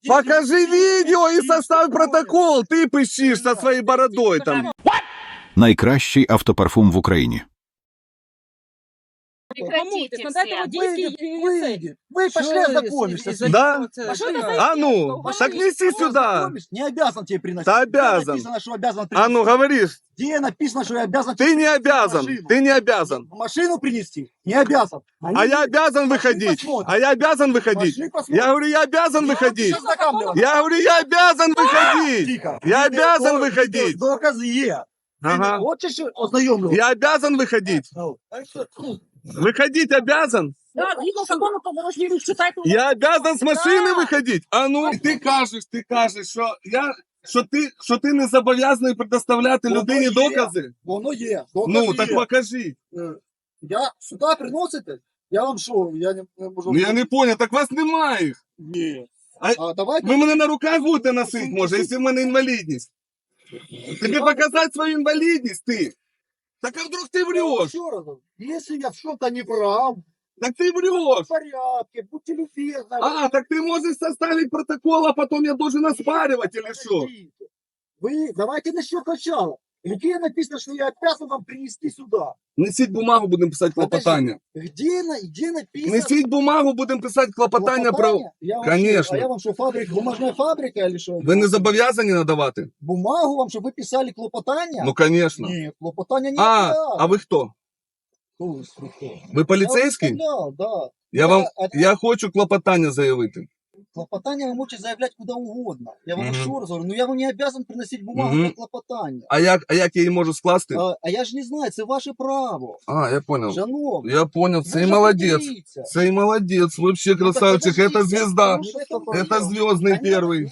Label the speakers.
Speaker 1: Покажи видео и составь протокол. Ты пищишь со своей бородой там.
Speaker 2: Найкращий автопарфум в Україні.
Speaker 3: Прекратите
Speaker 4: Надо этого
Speaker 3: все.
Speaker 4: действия.
Speaker 5: Вы пошли ознакомишься.
Speaker 1: Да?
Speaker 4: А что это за
Speaker 1: А ну, так неси сюда.
Speaker 5: Не обязан тебе приносить.
Speaker 1: Да
Speaker 5: Где
Speaker 1: обязан.
Speaker 5: написано, что обязан
Speaker 1: А
Speaker 5: принести?
Speaker 1: ну, говоришь.
Speaker 5: Где написано, что я обязан
Speaker 1: Ты
Speaker 5: тебе
Speaker 1: не
Speaker 5: принести
Speaker 1: обязан.
Speaker 5: машину?
Speaker 1: Ты не обязан.
Speaker 5: Машину принести? Не обязан.
Speaker 1: А я обязан выходить. А я обязан выходить.
Speaker 5: Пошли посмотрим.
Speaker 1: Я говорю, я обязан выходить.
Speaker 5: Сейчас знакомлюсь.
Speaker 1: Я говорю, я обязан выходить.
Speaker 5: Тихо.
Speaker 1: Я обязан выходить.
Speaker 5: Доказы є.
Speaker 1: Ага.
Speaker 5: Хочешь ознайомлю?
Speaker 1: Я обязан выходить. Выходить обязан.
Speaker 4: Да, згідно закону, то можливо читати.
Speaker 1: Я обязан с машины выходить. А ну, ти кажеш, що ти не зобов'язаний предоставляти
Speaker 5: Воно
Speaker 1: людині
Speaker 5: є.
Speaker 1: докази.
Speaker 5: Воно є. Докази
Speaker 1: Ну,
Speaker 5: є.
Speaker 1: так покажи.
Speaker 5: Я сюди приносите? Я вам що? Я не можу.
Speaker 1: Ну я не понял, так вас немає їх.
Speaker 5: Ні.
Speaker 1: А
Speaker 5: А давайте.
Speaker 1: ви мене на руках будете носити, може, якщо в мене інвалідність. Тобі показати свою інвалідність, ти. Так а вдруг ти врешь?
Speaker 5: Еще раз. Если я в чем-то не прав,
Speaker 1: Так ты врешь.
Speaker 5: в порядке, будьте любезны.
Speaker 1: А, так ты можешь составить протокол, а потом я должен оспаривать или что?
Speaker 5: Подождите. Вы давайте начнем сначала. Где написано, что я обязан вам принести сюда?
Speaker 1: Несіть бумагу, будемо писати клопотання.
Speaker 5: Где написано?
Speaker 1: Несіть бумагу, будемо писати клопотання про...
Speaker 5: Я вам
Speaker 1: Конечно.
Speaker 5: Что, а я вам что, фабрика, бумажная фабрика или что?
Speaker 1: Ви не зобов'язані надавати?
Speaker 5: Бумагу вам, чтобы вы писали клопотання?
Speaker 1: Ну, конечно.
Speaker 5: Нет, клопотання не
Speaker 1: А ви хто? Ви поліцейський?
Speaker 5: Да.
Speaker 1: Я хочу клопотання заявити.
Speaker 5: Клопотання ви можете заявляти куди угодно. Я вам
Speaker 1: Мгм.
Speaker 5: ще раз говорю, ну я вам не обязан приносити бумагу
Speaker 1: Мгм.
Speaker 5: для клопотання.
Speaker 1: А як я її можу скласти?
Speaker 5: А я ж не знаю, це ваше право.
Speaker 1: А, я понял.
Speaker 5: Шановний.
Speaker 1: Я понял,
Speaker 5: ви
Speaker 1: цей
Speaker 5: ж
Speaker 1: молодец.
Speaker 5: определіться.
Speaker 1: Цей молодец, вообще
Speaker 5: Ну, так
Speaker 1: красавчик.
Speaker 5: подождите,
Speaker 1: Это звезда.
Speaker 5: ну, что это
Speaker 1: Это
Speaker 5: было?
Speaker 1: звездный
Speaker 5: Конечно.
Speaker 1: первый.